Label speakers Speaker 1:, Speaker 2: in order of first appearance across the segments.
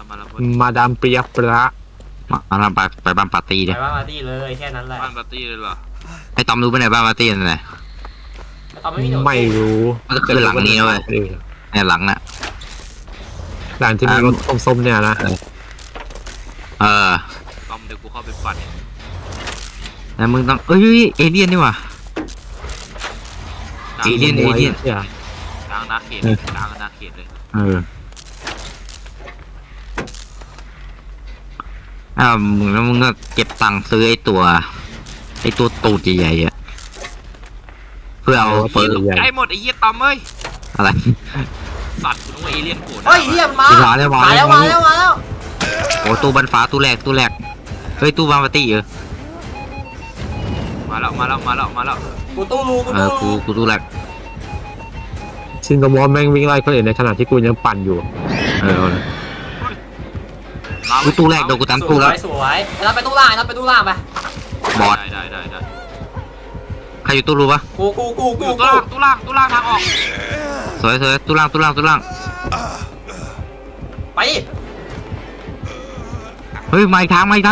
Speaker 1: แล้ว
Speaker 2: มาดามเปียปละ
Speaker 3: มาเราไปบ้านปาร์ตี้
Speaker 4: ไป
Speaker 3: ดิ
Speaker 4: บ้านปาร์ตี้เลยแค่นั้นแหละ
Speaker 1: บ้านปาร์ตี้เลยเหรอ
Speaker 3: ไอ้ตอมรู้ปะเนี่ยบ้านปาร์ตี้นั่นแหละ
Speaker 4: ตอนไม่มีหนู
Speaker 2: ไม่รู้
Speaker 3: มันก็คือหลังนี้เว้ยเนี่ยหลังน่ะ
Speaker 2: หลังที่มีรถส้มๆเนี่ยนะ
Speaker 1: ตอมเดี๋ยวกูเข้าไปปั่น
Speaker 3: แล้วมึงต้องเอ้ยเอเลี่ยนนี่ว่ะ เอเลี่ยน
Speaker 2: เนี่ย
Speaker 1: กลางนาเขตกลางนาเขตเลย
Speaker 3: มึงแล้วมึงก็เก็บตังค์ซื้อไอ้ตัวตูดใหญ่ๆอ่ะเพื่อเอาเปิด
Speaker 1: ไอ้หมดไอ้เหี้ยตอมเอ้ย
Speaker 3: อะไร
Speaker 1: สัตว์กูต้องเอเลี่ยนโกรธ
Speaker 4: เฮ้ยเฮียมา
Speaker 3: มาแล้ว
Speaker 4: มาแล้ว
Speaker 3: โอ้ตู้บันฟ้าตู้แรกเฮ้ยตู้บ้านปาร์ตี้
Speaker 1: มาแล้ว
Speaker 4: กูตู้รู
Speaker 3: กูตู้แรก
Speaker 2: ชินกามอสแม่งวิ่งไล่คนอื่นในขณะที่กูยังปั่นอยู่
Speaker 3: กูตู้แรกโดนกูตามตู้แล้ว
Speaker 4: สวยแล้วไปตู้ล่างไป
Speaker 3: บอด
Speaker 1: ได้
Speaker 3: ใครอยู่ตู้รู้ปะ
Speaker 4: กู
Speaker 1: ตู้ล่างทางออก
Speaker 3: สวยตู้ล่าง
Speaker 4: ไป
Speaker 3: เฮ้ยมาอีกทางนะ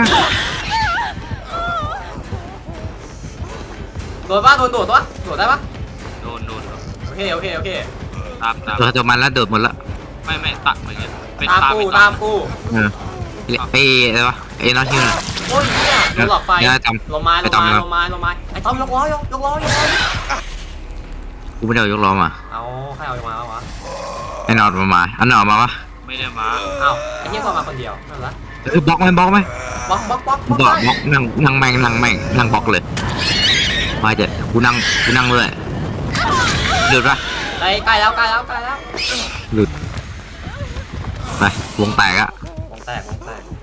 Speaker 4: โดดป่ะโดดตัวโดดได้ป่ะ
Speaker 1: โดน
Speaker 4: โอเค
Speaker 1: ตาม
Speaker 3: เจอมันแล้วโดดหมดละ
Speaker 1: ไม่ตัดเหมือนกันเป็น
Speaker 4: ตามกู
Speaker 3: ไอ้อะไรวะไอ้น้องชื่ออะไร
Speaker 4: โอ้ยเนี่ยโดนหลอดไฟ ลงมาไอ้ต้อมยกล้อ
Speaker 3: กูไม่ได้เอายกล้อมา
Speaker 4: เอาใครเอามาวะ
Speaker 3: ไอ้นอดมาอันนอดมาวะ
Speaker 1: ไม่ได้มา
Speaker 4: เอาไอ้เหี้ยก็มาคนเดียวนั่นแหละ
Speaker 3: บล็อกไหม
Speaker 4: บล็อก
Speaker 3: บล็อกนั่งแม่งนั่งบล็อกเลยมาเจ็ดกูนั่งเลยหลุดปะ
Speaker 4: ใกล้แล้ว
Speaker 3: หลุดไปวงแตกอะ
Speaker 4: วงแตก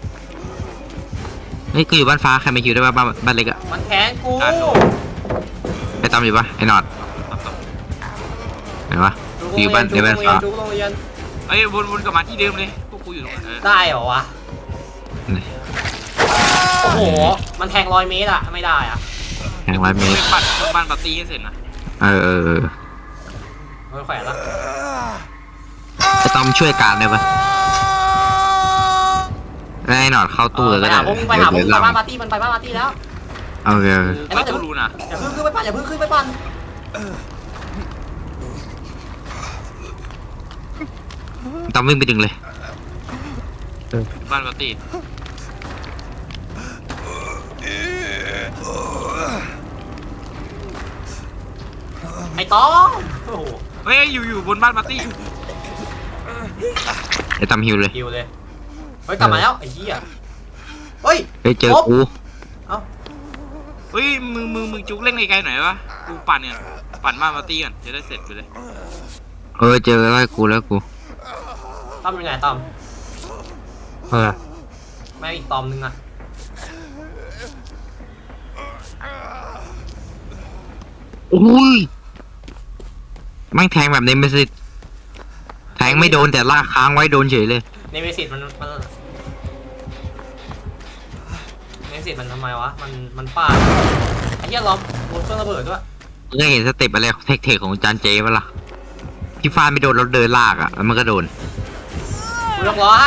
Speaker 3: นี่กูอยู่บ้านฟ้าใครไม่อยู่ได้ปะบ้านเล็กอะ
Speaker 4: มันแค้นกู
Speaker 3: ไอ้ตอมอยู่ปะไอ้นอดไหนวะอยู่บ้านในบ้านฟ้า
Speaker 1: ไอ้วนกลับมาที่เดิมเลยพวกกูอยู่ตรงนั้น
Speaker 4: ได้เหรอวะโอ้โหมันแทง100 เมตรอะไม่ได้อะ
Speaker 3: แข่ง100 เมตร
Speaker 1: ไปปั่นบ้านปาร์ตี้ให้เสร็จนะ
Speaker 4: ไม่แขวนละ
Speaker 3: ไอ้ตอมช่วยการได้ปะไอ้นอดเข้าตู้เลยก็ได้
Speaker 4: ไปหาผมไปบ้านปาร์ตี้มันไปบ้านปาร์ตี้แล้ว
Speaker 3: โอเค
Speaker 1: ไม่ต้องรู้นะ
Speaker 4: อย่าเพิ่งขึ้นไปปั่น
Speaker 3: ตอมวิ่งไปดึงเลย
Speaker 1: บ้านปาร์ตี้
Speaker 4: ไอ้ต้อมโอ้โห
Speaker 1: เฮ้ยอยู่บนบ้านปาร์ตี้
Speaker 3: ไอ้ตอมฮิวเลย
Speaker 4: คิวเลยเฮ้ยกลับมาแล้วไอ้เหี้ยเฮ้ย
Speaker 3: เจอกู
Speaker 1: เฮ้ยมึงจุกเล่นไกลๆหน่อยวะกูปั่นเนี่ยปั่นบ้านปาร์ตี้ก่อนจะได้เสร็จไปเลย
Speaker 3: เจอแล้วกู
Speaker 4: ต้อมอยู่ไหนต้อม แม่อีกตอมนึงอะ
Speaker 3: อุ้ยแม่งแทงแบบนี้ไม่สิแทงไม่โดนแต่ลากค้างไว้โดนเฉยเลย
Speaker 4: เนเมซิสมันเนเมซิสมันทำไมวะมันฟาดไอ้เหี้ยล้อมบนเครื่องระเบิดด้วย
Speaker 3: ได้เห็นสเต็ปอะไรเทคของจานเจปะล่ะที่ฟาดไม่โดนแล้วเดินลากอ่ะแล้วมันก็โดน
Speaker 4: กูยกล้อให้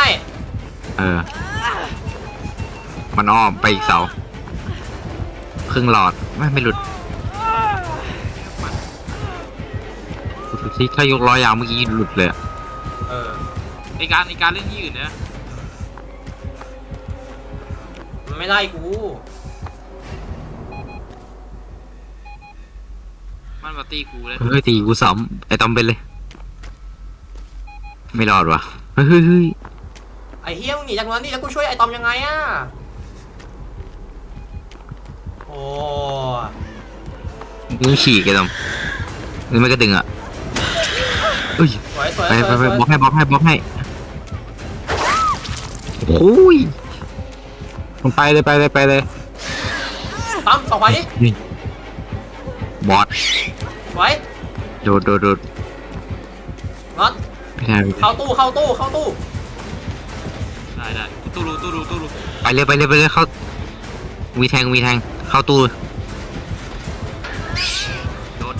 Speaker 3: มันอ้อมไปอีกเสาครึ่งหลอดไม่หลุดที่ถ้ายกล้อยาวเมื่อกี้หลุดเลย
Speaker 1: ไอการเล่นที่อื่นนะ
Speaker 4: มันไม่ไล่กู
Speaker 1: บ้านปาร์ตี้กูเลย
Speaker 3: เฮ้ยตีกูซ้ำไอ้ตอมเป็นเลยไม่รอดว่ะเฮ้ย
Speaker 4: ไอ้เหี้ยมึงหนีจากนั้นนี่แล้วกูช่วยไอ้ตอมยังไงอะโอ้
Speaker 3: มึงฉีกไอ้ตอมนี่มันก็ดึงอ่ะเฮ้ย
Speaker 4: สวย
Speaker 3: ไปบล็อกให้โอ้ย
Speaker 2: มันไปเลย
Speaker 4: ตอมส่องไฟดิ
Speaker 3: บอด
Speaker 4: สวย
Speaker 3: โดด
Speaker 4: น็อต
Speaker 3: ไม่ได้
Speaker 4: เข้าตู้
Speaker 1: ได้ตู้รู
Speaker 3: ไปเลยเข้ามีแทงเข้าตู้
Speaker 1: โดน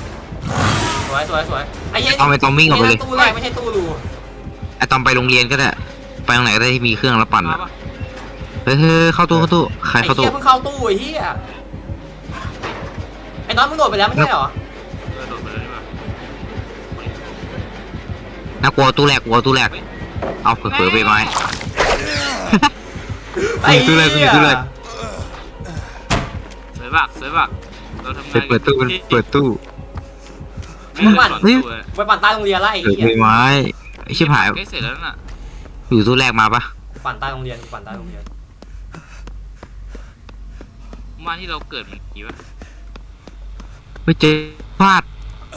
Speaker 4: สวยไอ้เหี้ย
Speaker 3: ต้องวิ่งออกไปเลย
Speaker 4: ตู้แรกไม่ใช่ตู้รู
Speaker 3: ไอ้ตอมไปโรงเรียนก็ได้ไปตรงไหนก็ได้ที่มีเครื่องแล้วปั่น
Speaker 1: มา
Speaker 3: อะ
Speaker 1: ปะ
Speaker 3: เฮ้ยเข้าตู้ใคร
Speaker 4: ไอ้
Speaker 3: เข้า
Speaker 4: เหี้
Speaker 3: ตู้
Speaker 4: ยเพิ่งเข้าตู้ไอ้เหี้ยไอ้น้องมึงโดดไปแล้วไม่ใช่เหรอ
Speaker 1: โดดไปเลยดีกว่า
Speaker 3: น่ากลัวตู้แรกเอาเผลอๆไปไม้
Speaker 4: ไอ้
Speaker 3: ตู้แรก
Speaker 4: เหี้ย
Speaker 3: ตู้แรก
Speaker 1: สวยบักเราทำงาน
Speaker 3: เปิดตู้
Speaker 1: ไม่ได้สอนตู้เลย
Speaker 4: ไปปั่นใต้โรงเรียนละไอ้
Speaker 3: เผลอ
Speaker 4: เหี้ย
Speaker 3: ไปไม้ไอ้ชิบหาย
Speaker 1: ใกล้เสร็จแล้วน่ะ
Speaker 3: อยู่ตู้แรกมาปะ
Speaker 4: ปั่นใต้โรงเรียนปั่นใต้โรงเรียน
Speaker 1: บ้านที่เราเกิดมันกี่วะ
Speaker 3: ไม่เจอพลาด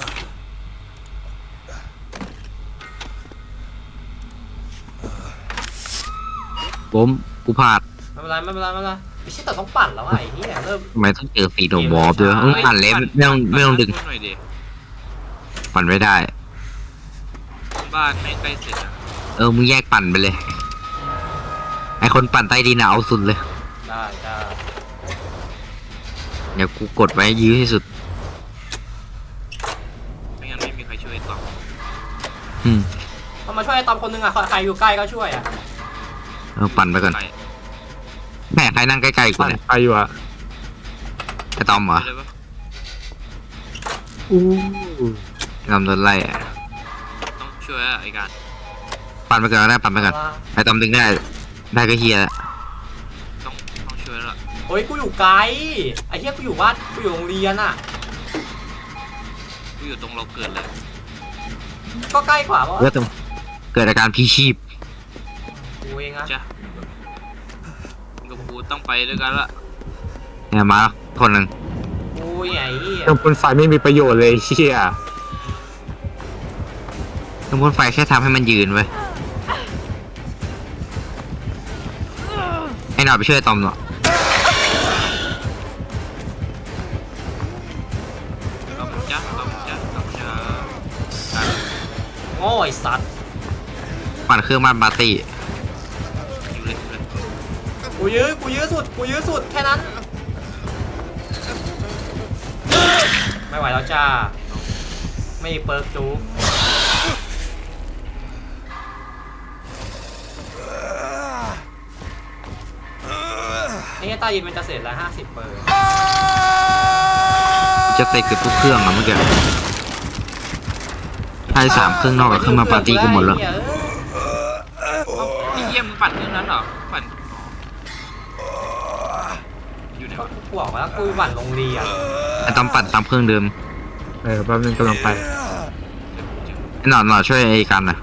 Speaker 3: กูพลาด
Speaker 4: ไม่เป็นไรไม่ไม่ใช่แต่ต้องปั่นแล้วไอ้เหี้ยเริ่ม
Speaker 3: ทำไมต้องเจอสีโดมบอบด้วยต้องปั่นเล็บไม่ต้องดึง
Speaker 1: หน่อยดิ
Speaker 3: ปั่นไม่ได้
Speaker 1: บ้านไม่ใกล้เสร็จอ่ะ
Speaker 3: มึงแยกปั่นไปเลย ไอคนปั่นใต้ดินเอาสุดเลย
Speaker 4: ได้
Speaker 3: เดี๋ยวกูกดไว้ยื้อที่สุด
Speaker 1: ไม่งั้นไม่มีใครช่วยต่อ
Speaker 4: เอามาช่วยไอ้ตอมคนนึงอ่ะใครอยู่ใกล้ก็ช่วยอ่ะ
Speaker 3: ปั่นไปก่อน
Speaker 1: ไป
Speaker 3: แม่ใครนั่งใกล้ๆกู
Speaker 2: ปั่น
Speaker 3: เนี่ย
Speaker 2: ไปอยู่อะ
Speaker 3: ไอตอมเหรอ
Speaker 1: เลยปะ
Speaker 2: อู้
Speaker 3: ตอมโดนไล่อะ
Speaker 1: ต้องช่วยอะไอ้การ
Speaker 3: ปั่นไปก่อนก็ได้ปั่นไปก่อนไอตอมดึงได้ก็เฮียแล้ว
Speaker 1: ต้องช่วยแล้วล่ะ
Speaker 4: โอ้ยกูอยู่ไกลไอ้เหี้ยกูอยู่บ้านกูอยู่โรงเรียนอ่ะ
Speaker 1: กูอยู่ตรงเราเกิดเลย
Speaker 4: ก็ใกล้กว่าเพราะ
Speaker 3: เลือดเกิดอาการพีชีพ
Speaker 4: กูเองอะ
Speaker 1: จ้ะมึงกับกูต้องไปด้วยกันละ
Speaker 3: เนี่ยมาคนหนึ่ง
Speaker 4: กูไอ้เหี้ย
Speaker 2: เครื่องพ่นไฟไม่มีประโยชน์เลยเชี่ย
Speaker 3: เครื่องพ่นไฟแค่ทำให้มันยืนไว้ยไอ้หน่อยไปช่วยไอ้ตอมหน่อย
Speaker 1: ต้องจ้ะ
Speaker 4: โง่ไอ้สัตว์
Speaker 3: ปั่นเครื่องบ้านปาร์ตี้
Speaker 1: อยู่เลย
Speaker 4: กูยื้อสุดแค่นั้นไม่ไหวแล้วจ้าไม่มีเปิร์กจูไอ้เหี้ยใต้ดินมันจะเสร็จแล้ว50เปอร์
Speaker 3: จะเตะเกือบทุกเครื่องอะเมื่อกี้ถ้าได้3เครื่องนอกกับเครื่องมาปาร์ตี้ก็หมดแล้ว
Speaker 1: ไอ้เยี่ยมงปั่นเรื่องนั้นเหรอปั่นอยู่ไหนวะ
Speaker 4: กูบอกว่ากูปั่นโรงเรียน
Speaker 3: ไอ้ตอมปั่นตามเครื่องเดิม
Speaker 2: แป๊บนึงกำลังไป
Speaker 3: ไอ้หน่อยช่วยไอ้กันนะ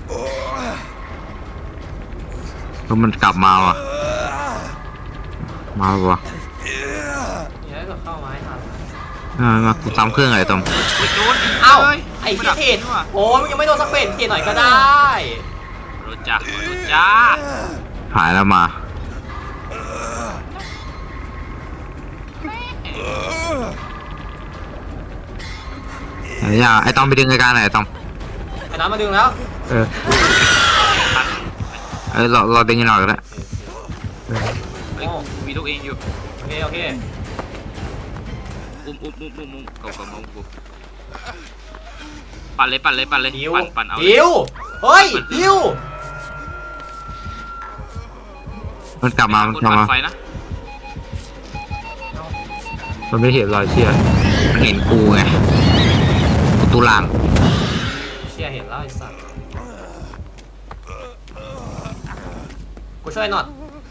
Speaker 3: เพราะมันกลับมาว่ะมาแล้ววะ
Speaker 4: อย่าให้เข้ามาให้ทัน
Speaker 3: มากูตามเครื่องอะไรตอม
Speaker 1: โดน
Speaker 4: เอ้า
Speaker 1: เลย
Speaker 4: ไอ้เหี้ยเทรดโอ้ยมึงยังไม่โดนสักเป็นเทรดหน่อยก็ได้
Speaker 1: รถจ้า
Speaker 3: หายแล้วมาไอ้ตอมไปดึงไอ้การหน่อยไอ้ตอม
Speaker 4: ไอ้น้ำมาดึงแล้ว
Speaker 2: เออ
Speaker 3: เราดึงกันหน่อยก็ได้
Speaker 1: เฮ้ยมีลูกเองอยู่
Speaker 4: โอเค
Speaker 1: อุ้มกับกูปั่นเลย
Speaker 4: ดิว
Speaker 1: ปั่นเอา
Speaker 4: ดิวเฮ้ยดิว
Speaker 3: มันกลับมา
Speaker 1: คนปั่นไฟนะ
Speaker 2: มันไม่เห็นรอยเชี่ย
Speaker 3: มันเห็นกูไงกูตู้ล่าง
Speaker 4: เชี่ยเห็นแล้วไอ้สัสกูช่วยหน่อย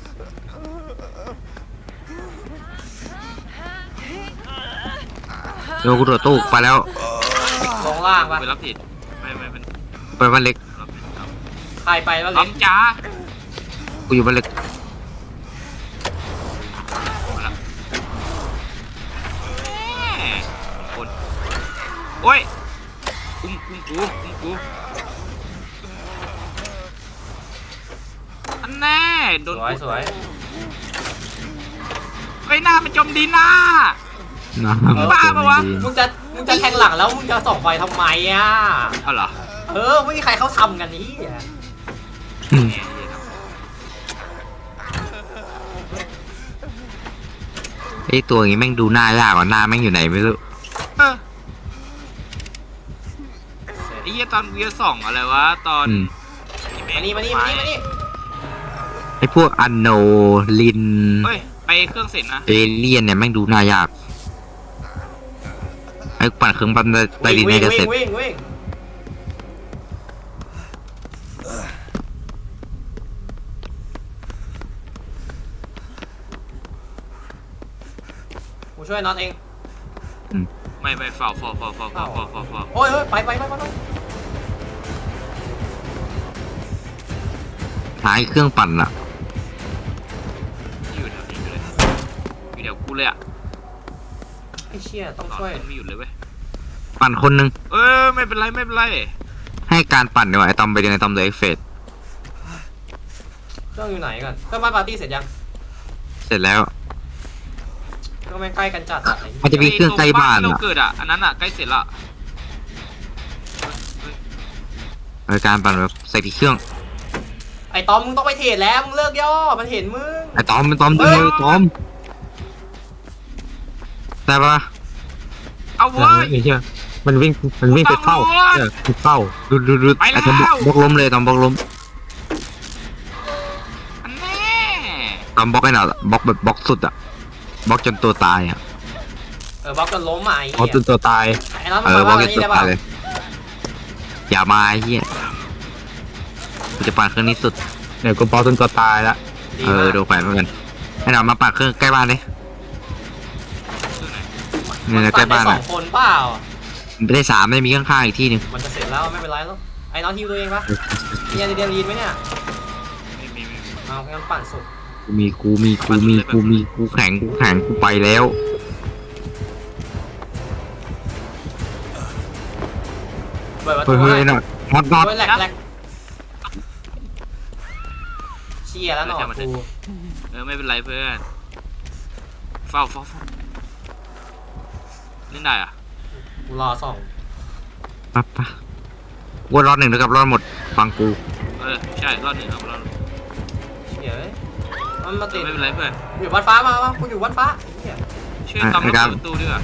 Speaker 3: เดี๋ยวกูตรวจตู้ไปแล้ว
Speaker 4: ลงล่างปะ
Speaker 1: ไปรับผิดไม่เป็น
Speaker 3: ไปบ้านเล็ก
Speaker 1: รับผิดครับ
Speaker 4: ใครไปแล้ว
Speaker 1: ล้
Speaker 4: เล็ก
Speaker 1: จ้า
Speaker 3: กูอยู่บ้านเล็ก
Speaker 1: คนโอ้ยอุ้มกูอันแน่โดน
Speaker 4: สวย
Speaker 1: ไอ้หน้ามันจมดินหน้า
Speaker 3: นะ
Speaker 1: บ้าปะวะ
Speaker 4: มึงจะแทงหลังแล้วมึงจะส่องไฟทำไมอ่ะ
Speaker 1: เอาเหรอ
Speaker 4: ไม่มีใครเขาทำกันนี้
Speaker 3: ไอ้ตัวอย่างงี้แม่งดูหน้ายากกว่าหน้าแม่งอยู่ไหนไม่รู้
Speaker 1: ไอ้เหี้ยตอนเวียสองอะไรวะตอน
Speaker 4: มานี่
Speaker 3: อ้พวกอันโนลิน
Speaker 1: เฮ้ยไปเครื่องเสร็จนะ
Speaker 3: เอเลียนเนี่ยแม่งดูน่ายากไอ้ปั่นเครื่องปั่นใต้ดิน
Speaker 4: วิ่
Speaker 3: เนี่ย
Speaker 4: ง
Speaker 3: จะเสร็
Speaker 4: วิ่
Speaker 3: จ
Speaker 4: งวิ่งวิ่งกูช่วยน็อตเอง
Speaker 1: ไม่เฝ้า
Speaker 4: โอ้ยไป
Speaker 3: หาไอ้เครื่องปั่นอะ
Speaker 1: อยู่แถวนี้เลยอยู่แถวกูเลยอ่ะ
Speaker 4: ไอ้เชี่ยต้อง
Speaker 1: ตอน
Speaker 4: ช่วย
Speaker 1: มันไม่หยุดเลยเว้ย
Speaker 3: ปั่นคนนึง
Speaker 1: ไม่เป็นไร
Speaker 3: ให้การปั่นดีกว่าไอ้ตอมไปเดินไอ้ตอมเดอะเอ็กเฟส
Speaker 4: เครื่องอยู่ไหนกันเครื่องบ้านปาร์ตี้เสร็จยัง
Speaker 3: เสร็จแล้ว
Speaker 4: เครื่องแม่งใกล้กันจัดอะไอ้
Speaker 3: มันจะมีเครื่องใกล้บ้าน
Speaker 1: ที่เรา
Speaker 3: อะ
Speaker 1: เกิดอ่ะอันนั้นอ่ะใกล้เสร็จละ
Speaker 3: การปั่นแบบใส่ผิดเครื่อง
Speaker 4: ไอ้ตอมมึงต้องไปเทรดแล้วมึงเลิกย่อมันเห็นมึง
Speaker 3: ไอ้ตอมดูเลยตอมได้ปะ
Speaker 1: เอา
Speaker 2: เออ
Speaker 1: เว้ย
Speaker 2: ไอ้เหี้ยมันวิ่งไปเข้า
Speaker 1: ตำรวจ
Speaker 2: เข้า
Speaker 3: ดู
Speaker 1: ไปแล้ว
Speaker 3: ไอ้ตอมบล็อกล้มเลยตอมบล็อกล้ม
Speaker 1: อันแน่
Speaker 3: ตอมบล็อกไอ้หน่ะบล็อกแบบบล็อกสุดอะบล็อกจนตัวตายอะ
Speaker 4: บล็อกจนล้มอ่ะไอ้
Speaker 2: เอา
Speaker 4: เหี้ย
Speaker 2: จนตัวตาย
Speaker 4: ไอ้น็อต
Speaker 3: เอ
Speaker 4: มึง
Speaker 3: อบล็
Speaker 4: มา
Speaker 3: อก
Speaker 4: บ้าน
Speaker 3: จน
Speaker 4: นี้
Speaker 3: ตัว
Speaker 4: ได้
Speaker 3: ตา
Speaker 4: ป่ะ
Speaker 3: ยเลยอย่ามาไอ้เหี้ยกูจะปั่นเครื่องนี้สุด
Speaker 2: เดี๋ยวกูบล็อกจนตัวตายละ
Speaker 4: ดีมาก
Speaker 3: ดูแขวนเหมือนกันไอ้หน่ะมาปั่นเครื่องใกล้บ้านดิ
Speaker 1: เครื่องไหน
Speaker 3: เนี่ยใกล้บ้าน
Speaker 4: สอ
Speaker 3: อะ
Speaker 4: งคนเปล่า
Speaker 3: ไม่ได้3ไม่มีข้างๆอีกที่หนึง
Speaker 4: มันจะเสร็จแล้วไม่เป็นไรแล้วไอ้น็อตฮิวตัวเองปะมีอะไรเดียนลีนไหมเนี่ย
Speaker 1: ไม่มี
Speaker 4: เอางั้นปั่นสุด
Speaker 3: กูแข็งกูไปแล้ว
Speaker 4: เปิดประ
Speaker 3: เฮ้
Speaker 4: ตู
Speaker 3: ย
Speaker 4: ให้
Speaker 3: หน่อยน็อต
Speaker 4: โอ้ยแหลกเชี่ยแล้วหนอกู
Speaker 1: ไม่เป็นไรเพื่อนเฝ้าเล่นได้อ่ะ
Speaker 4: กูรอส่อง
Speaker 3: ปั๊บว่ารอด1แล้วกับรอดหมดฟังกู
Speaker 1: ใช่รอบหนึ่งครับรอบ
Speaker 4: เชี่ยเอ้ยมันมาติด
Speaker 1: ไม่เป็นไรเพื่อน
Speaker 4: อยู่บ้านฟ้ามากูอยู่บ้านฟ้าไอ้เหี้ย
Speaker 1: ช่วยตำรวจเปิดประตูด้วย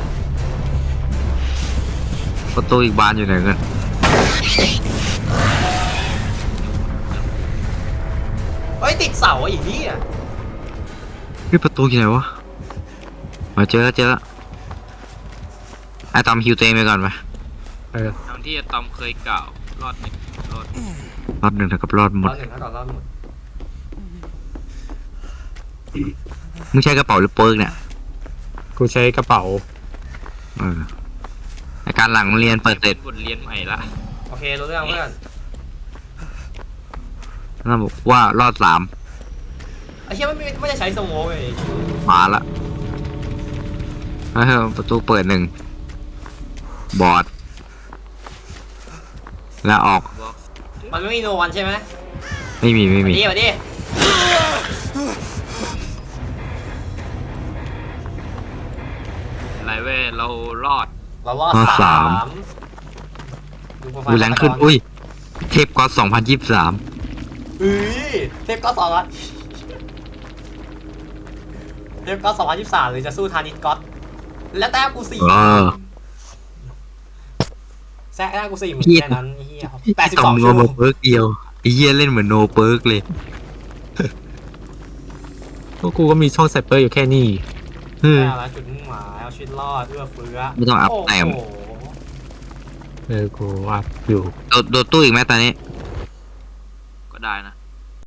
Speaker 3: ประตูอีกบานอยู่ไหนกัน
Speaker 4: เฮ้ยติดเสาไอ้เหี้ย
Speaker 3: นี่ประตูอยู่ไหนวะมาเจอแล้วไอ้ตอมฮิวเตงไปก่อนไป
Speaker 1: ทางที่ตอมเคยกล่าวรอด
Speaker 3: รอด1เท่ากับรอดหม
Speaker 4: ร
Speaker 3: ด
Speaker 4: อบหนึ่งถ้าก่อนรอบหมด
Speaker 3: มึงใช้กระเป๋าหรือเปิร์กเนี่ย
Speaker 2: กูใช้กระเป๋า
Speaker 3: ในการหลังเรียนเปิดเสร็จ
Speaker 1: บทเรียนใหม่ละ
Speaker 4: โอเครู้เรื่องเพื่อน
Speaker 3: แล้วบอกว่ารอด
Speaker 4: ไอ้เหี้ยไม่ได้ใช้สโมกเลย
Speaker 3: 3มาละประตูเปิด1บอดแล้วออก
Speaker 1: บอก
Speaker 4: มันไม่มีโนวันใช่ไหม
Speaker 3: ไม่มี
Speaker 4: มาดิ
Speaker 1: อะไรเว้ยเรารอด
Speaker 4: เรารอด
Speaker 3: รอด
Speaker 4: สาม
Speaker 3: ดูแรงขึ้นอุ้ยเทปก็2023
Speaker 4: เทปก็สองละเทปก็2023หรือจะสู้ทานิสก็อตและแต้มกู4แซะแต้มกู4เหมือนแค่นั้นไอ้เหี้ย
Speaker 3: ต่อม
Speaker 4: 82
Speaker 3: ง
Speaker 4: ชั่ว
Speaker 3: มาเปิร์กเดียวไอ้เหี้ยเล่นเหมือนโนเปิร์กเลย
Speaker 2: พวกกูก็มีช่องไซเปอร์อยู่แค่นี้
Speaker 4: แต้มละจุดมุ่งหมายเอาชีวิตรอดเอื้อเฟื้อ
Speaker 3: ไม่ต้องอัพแต้ม
Speaker 4: โอ้โห
Speaker 2: กูอัพอยู่
Speaker 3: โดดตู้อีกไหมตอนนี้
Speaker 1: ก็ได้นะ